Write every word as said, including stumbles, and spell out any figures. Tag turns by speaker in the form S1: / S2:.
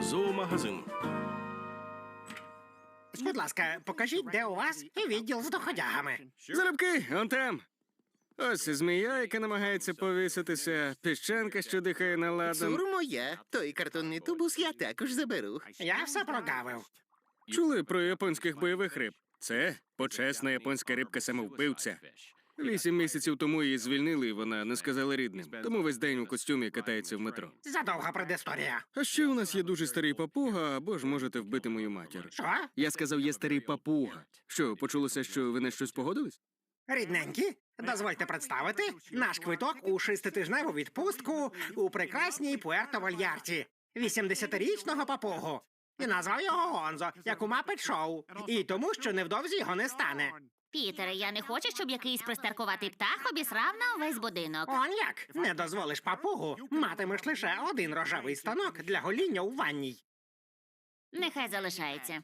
S1: Зоомагазин.
S2: Будь ласка, покажіть, де у вас відділ з доходягами.
S3: Залюбки, он там. Ось змія, яка намагається повіситися, піщанка, що дихає на ладан.
S4: Цур моя. Той картонний тубус я також заберу.
S2: Я все прогавив.
S3: Чули про японських бойових риб? Це почесна японська рибка-самовбивця. Вісім місяців тому її звільнили, і вона не сказала рідним. Тому весь день у костюмі катається в метро.
S2: Задовга предісторія.
S3: А ще у нас є дуже старий папуга, або ж можете вбити мою матір.
S2: Що?
S3: Я сказав, є старий папуга. Що, почулося, що ви на щось погодились?
S2: Рідненькі, дозвольте представити наш квиток у шеститижневу відпустку у прекрасній Пуерто-Вальярті. вісімдесятирічного папугу. І назвав його Гонзо, як у Мапет Шоу. І тому, що невдовзі його не стане.
S5: Пітере, я не хочу, щоб якийсь пристаркуватий птах обісрав на увесь будинок.
S2: Он як? Не дозволиш папугу, матимеш лише один рожевий станок для гоління у ванній.
S5: Нехай залишається.